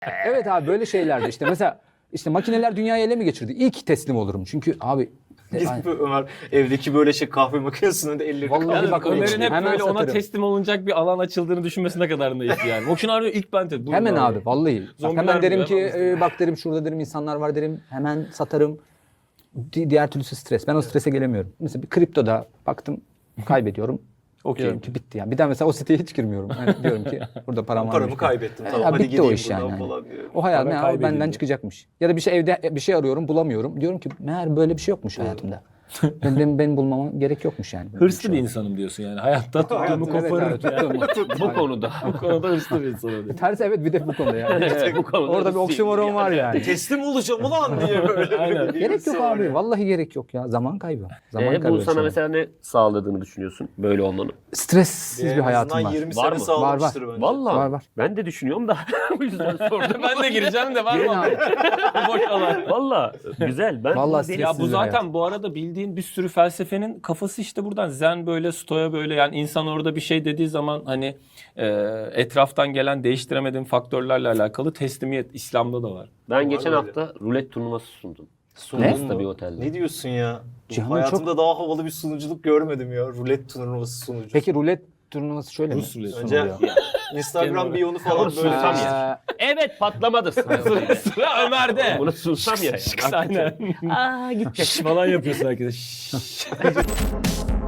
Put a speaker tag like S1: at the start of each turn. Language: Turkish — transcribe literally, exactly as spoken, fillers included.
S1: Evet abi böyle şeylerde işte mesela işte makineler dünyayı ele mi geçirdi? İlk teslim olurum. Çünkü abi
S2: Gidip Ömer evdeki böyle şey kahve makinesinin önünde elleri
S1: Vallahi
S2: kalıyor.
S1: bak-
S3: Ömer'in hep
S1: Hemen
S3: böyle ona
S1: satarım.
S3: teslim olunacak bir alan açıldığını düşünmesi ne kadar naif yani. O arıyor ilk ben teslim.
S1: hemen abi vallahi. Bak,
S3: Zombiler
S1: hemen derim
S3: gibi,
S1: ki
S3: hemen
S1: e, bak derim şurada derim insanlar var derim. Hemen satarım. Di- diğer türlüsü stres. Ben o strese gelemiyorum. Mesela bir kriptoda baktım kaybediyorum.
S3: Okey.
S1: Diyorum ki bitti yani. Bir daha mesela o siteye hiç girmiyorum. Yani diyorum ki burada param var.
S2: Paramı kaybettim. Tamam
S1: Ya
S2: hadi
S1: bitti o
S2: gideyim
S1: iş
S2: buradan
S1: yani.
S2: falan diyor.
S1: O hayal
S3: Para
S1: meğer
S3: kaybedildi.
S1: benden çıkacakmış. Ya da bir şey evde bir şey arıyorum bulamıyorum. Diyorum ki meğer böyle bir şey yokmuş hayatımda. ben, benim, benim bulmama gerek yokmuş yani.
S3: Hırslı bir insanım diyorsun yani. Hayatta tuttuğumu
S1: Evet,
S3: koparırım.
S1: evet, tuttuğumu.
S3: Bu konuda. Bu konuda hırslı bir insanım. diyor.
S1: Tersi evet bir de bu konuda yani.
S3: Evet, bu konuda
S1: Orada bir
S3: hırslıyım
S1: oksimoron var yani.
S2: Teslim olacağım ulan diye böyle.
S3: Aynen.
S2: bir
S1: Gerek
S2: birisi
S1: yok
S2: var
S1: abi.
S2: ya.
S1: Vallahi gerek yok ya. Zaman kaybı. Zaman
S4: Ee,
S1: kaybı.
S4: bu sana
S1: sana.
S4: mesela ne sağladığını düşünüyorsun böyle olmanın?
S1: Stressiz
S2: En
S1: bir hayatım
S2: azından
S1: var.
S2: yirmi
S4: Var
S2: sene
S4: mı?
S2: sağlamıştır bence.
S4: Vallahi
S1: Var, var.
S4: ben de düşünüyorum da o yüzden sordum.
S3: Ben de gireceğim de var
S1: Girin
S3: mı?
S1: abi.
S3: Boş alan.
S4: Vallahi güzel. Ben
S1: Vallahi
S4: bunu
S3: Ya bu
S1: Sessiz bir
S3: zaten
S1: hayat.
S3: bu arada bildiğin bir sürü felsefenin kafası işte buradan. Zen böyle, stoya böyle, yani insan orada bir şey dediği zaman hani e, etraftan gelen değiştiremediğin faktörlerle alakalı teslimiyet İslam'da da var.
S4: ben
S2: Var
S4: geçen
S2: öyle.
S4: hafta rulet turnuvası sundum.
S2: Sundun
S4: Ulus'ta
S2: mu?
S4: bir otelde.
S2: Ne diyorsun ya?
S1: Cihan'ın
S2: Hayatımda daha havalı bir sunuculuk görmedim ya. Rulet turnuvası sunucu.
S1: Peki rulet turnuvası şöyle
S3: Rus
S1: mi?
S3: ruleti.
S2: Önce
S1: sunuluyor?
S2: Instagram biyonu falan
S4: Onu
S2: böyle.
S4: sunsam
S2: Aa,
S4: ya. Evet patlamadı.
S3: Sıra Ömer'de.
S4: Bunu sunsam ya.
S3: Aynen.
S4: Aa gitti.
S3: Şş falan yapıyorsun herkese. Şş.